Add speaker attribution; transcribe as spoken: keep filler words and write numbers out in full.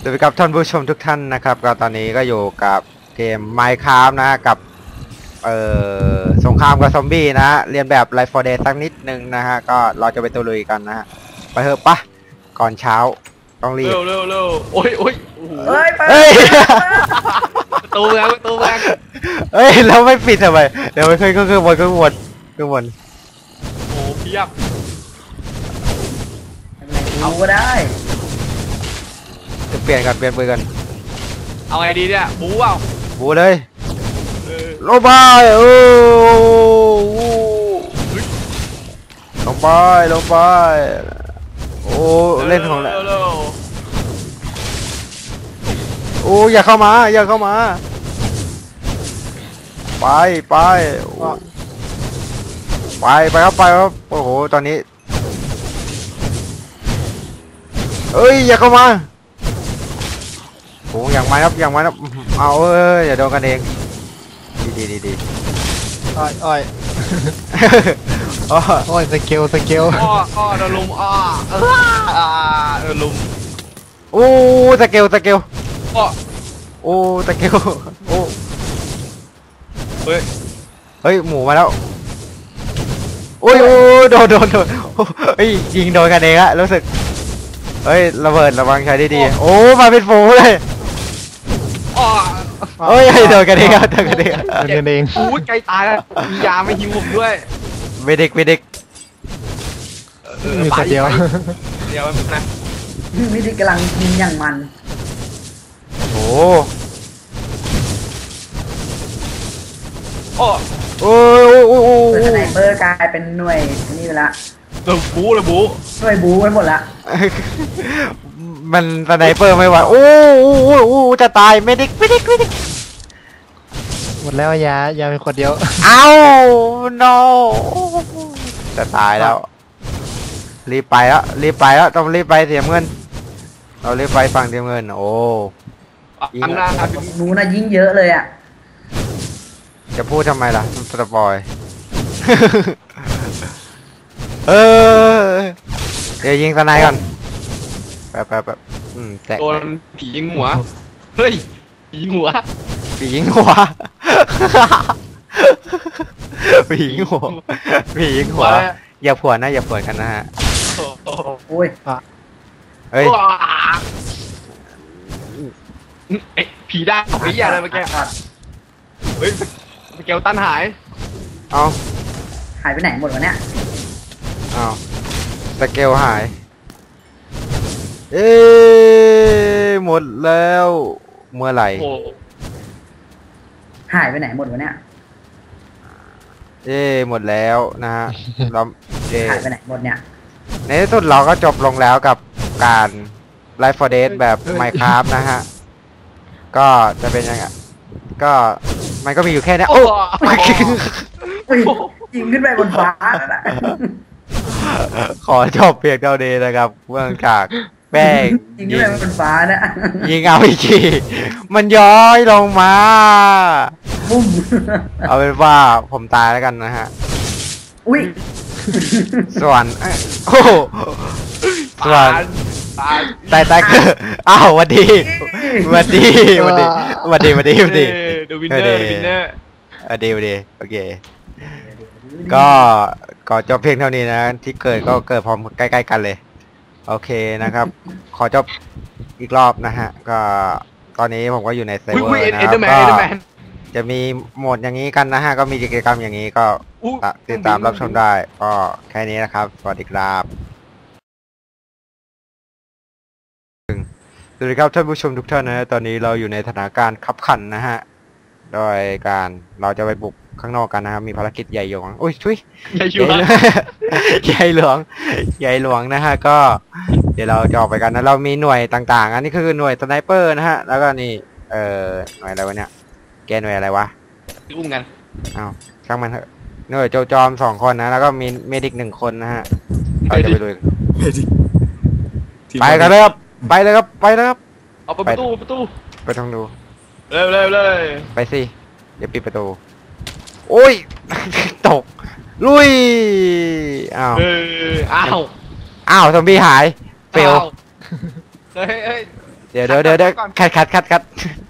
Speaker 1: วัสดีครับท่านผู้ชมทุกท่านนะครับก็ตอนนี้ก็อยู่กับเกม Minecraft นะกับเอ่อสงครามกับซอมบี้นะฮะเรียนแบบ Left โฟร์ Dead สักนิดนึงนะฮะก็เราจะไปตะลุยกันนะฮะไปเถอะปะก่อนเช้าต้องรีบ
Speaker 2: เร็วเร็วเร็วโอ้ยโอ้ย
Speaker 3: เฮ้ยไป
Speaker 1: เฮ้ย
Speaker 2: ประตูแรงประตูแรง
Speaker 1: เฮ้ยเราไม่ปิดทำไมเดี๋ยวไปขึ้นขึ้นขึ้นบนขึ้นบนขึ้นบน
Speaker 2: โอ้เพียบ
Speaker 3: เอาก็ได้
Speaker 1: จะเปลี่ยนกันเปลี่ยนปืนกัน
Speaker 2: เอาไงดีเนี่ยบู๊เปล่า
Speaker 1: บูเลย
Speaker 2: เออ
Speaker 1: ลงไปโอ้ลงไปลงไปโอ้เล่นของแหละ
Speaker 2: เร็ว
Speaker 1: โอ้อย่าเข้ามาอย่าเข้ามาไปไปไปไปครับไปครับโอ้โหตอนนี้เอ้ยอย่าเข้ามาโอ้อย่างไม้ครับอย่างไม้ครับเอาเอ้ยอย่าโดนกันเองดีดีดีดี
Speaker 4: อ้อยอ้อย
Speaker 1: อ๋อ
Speaker 4: อ้อยสเกลสเกล
Speaker 2: อ้ออ้อโดนลุมอ้อเอออ่าโดนลุม
Speaker 1: โอ้สเกลสเกล
Speaker 2: อ้อ
Speaker 1: โอ้สเกลโอ้
Speaker 2: เฮ้ย
Speaker 1: เฮ้ยหมูมาแล้วโอ้ยโอ้โดนโดนโดนเฮ้ยยิงโดนกันเองอะรู้สึกเฮ้ยระเบิดระวังใช้ดีๆโอ้มาเป็นฝูงเลย
Speaker 2: อ้อ
Speaker 1: เฮ้ยโดนกันเองอะโดนกันเอง
Speaker 4: เดินเอง
Speaker 2: อู้ใจตายแล้วมียาไม่หิวผมด้วย
Speaker 1: เวดิกเวดิก
Speaker 2: เออ
Speaker 4: มี
Speaker 2: ไป
Speaker 4: แต่เดียว
Speaker 2: ไปเดี๋ยวมันนะ
Speaker 3: นี่ที่กำลังยิงอย่างมัน
Speaker 1: โอ้
Speaker 2: อ้อ
Speaker 1: โอ้โอ้โอ้โอ้
Speaker 3: เปิดสไนเปอร์กลายเป็นหน่วยนี่ไปละ
Speaker 2: เริ่มบู๊เลยบู๊
Speaker 3: หน่วยบู๊ไปหมดละ
Speaker 1: มันสไนเปอร์ไม่ไหวโอ้โอ้โอ้โอ้จะตายเมดิกเมดิกเมดิก
Speaker 4: หมดแล้วยายาเป็นคนเดียว
Speaker 1: เอ้า no จะตายแล้วรีบไปแล้วรีบไปแล้วต้องรีบไปเสียเงินเรารีบไปฝั่งเสียเงินโอ้
Speaker 2: อันหน้าครับ
Speaker 3: นู้นน่ะยิงเยอะเลยอ่ะ
Speaker 1: จะพูดทำไมล่ะสปอย เออเดี๋ยวยิงสไนก่อนแป๊บแป๊บแป๊บอืมแตะ
Speaker 2: โดนผียิงหัวเฮ้ยผียิงหัว
Speaker 1: ผียิงหัว ผียิงหัวผียิงหัวอย่าผวนนะอย่าผวนกันนะฮะ
Speaker 2: โอ้โห
Speaker 3: โอ้ย
Speaker 1: เฮ้ย
Speaker 2: ว้าเอ๊ะผีได้ผีอะไรเมื่อกี้เฮ้ยสเกลตันหาย
Speaker 1: เอา
Speaker 3: หายไปไหนหมดวะเนี่ย
Speaker 1: เอาสเกลหายเอ๊ะหมดแล้วเมื่อไหร่
Speaker 2: โอ้
Speaker 3: หายไปไหนหมดวะเนี่ย
Speaker 1: เอ๊ะหมดแล้วนะฮะเราเอ๊ะ
Speaker 3: หายไปไหนหมดเนี่ย
Speaker 1: ในที่สุดเราก็จบลงแล้วกับการ Life โฟร์ Dead แบบ Minecraft นะฮะก็จะเป็นยังไงก็มันก็มีอยู่แค่นี้
Speaker 2: โอ้
Speaker 1: โอ้
Speaker 3: เฮ้ยยิงขึ้นไปบนฟ้าแล้วนะ
Speaker 1: ขอจบเพียงเท่านี้นะครับเบื้องจากแป้ง
Speaker 3: ยิงขึ้นไปบนฟ้านะ
Speaker 1: ยิงเอาอีกทีมันย้อยลงมา
Speaker 3: บุ้ม
Speaker 1: เอาเป็นว่าผมตายแล้วกันนะฮะ
Speaker 3: อุ้ย
Speaker 1: ส่วนเอ้ยโอ้โหส่วน
Speaker 2: ตาย
Speaker 1: ตายตายคืออ้าวหวัดดีหวัดดีหวัดดีหวัดดีหวัดดีหวัดดี
Speaker 2: เดวินเนอร์เดวินเนอร์
Speaker 1: หวัดดีหวัดดีโอเคก็ก็จบเพียงเท่านี้นะที่เกิดก็เกิดพร้อมใกล้ๆกันเลยโอเคนะครับ ขอจบอีกรอบนะฮะก็ตอนนี้ผมก็อยู่ในเซิร์ฟ
Speaker 2: อุ้ย
Speaker 1: เวอ
Speaker 2: อุ้ย
Speaker 1: ร์นะ
Speaker 2: เอ็น
Speaker 1: ค
Speaker 2: เด
Speaker 1: รั
Speaker 2: อบ ร์แมน
Speaker 1: ก็
Speaker 2: เอ็นเดอร์แมน
Speaker 1: จะมีโหมดอย่างนี้กันนะฮะก็มีกิจกรรมอย่างนี้ก็
Speaker 2: อู้
Speaker 1: ติดตามรับชมได้ก็แค่นี้นะครับสวัสดีครับสวัสดีครับท่านผู้ชมทุกท่านนะฮะตอนนี้เราอยู่ในสถานการณ์ขับขันนะฮะโดยการเราจะไปบุกข้างนอกกันนะครับมีภารกิจใหญ่หลวงอุ้ยชุย
Speaker 2: อย่าอยู่
Speaker 1: ใหญ่ ใหญ่หลวงใหญ่หลวงนะฮะก็เดี๋ยวเราจะออกไปกันนะเรามีหน่วยต่างๆ อันนี้คือหน่วยสไนเปอร์นะฮะแล้วก็นี่เอ่อหน่วยอะไรวะเนี่ยแกหน่วยอะไรวะ
Speaker 2: อุ้มกัน
Speaker 1: อ้าวช่างมันเถอะหน่วยโจจอมสองคนนะแล้วก็มีเมดิกหนึ่งคนนะฮะเราจะไปดูไปกันเลยครับไปเลยครับไปเลยครับ
Speaker 2: เอาไปประตูประตู
Speaker 1: ไปทางดู
Speaker 2: เร็วเร็วเลย
Speaker 1: ไปสิเดี๋ยวปิดประตูโอ้ย ตกลุยอ้าว
Speaker 2: เอออ้าว
Speaker 1: อ้าวซอมบี้หายเฟล
Speaker 2: เฮ้ยเฮ้ย
Speaker 1: เดี๋ยวเดี๋ยวเดี๋ยวเดี๋ยว
Speaker 2: ก่อน
Speaker 1: คัดคัดคัดคัด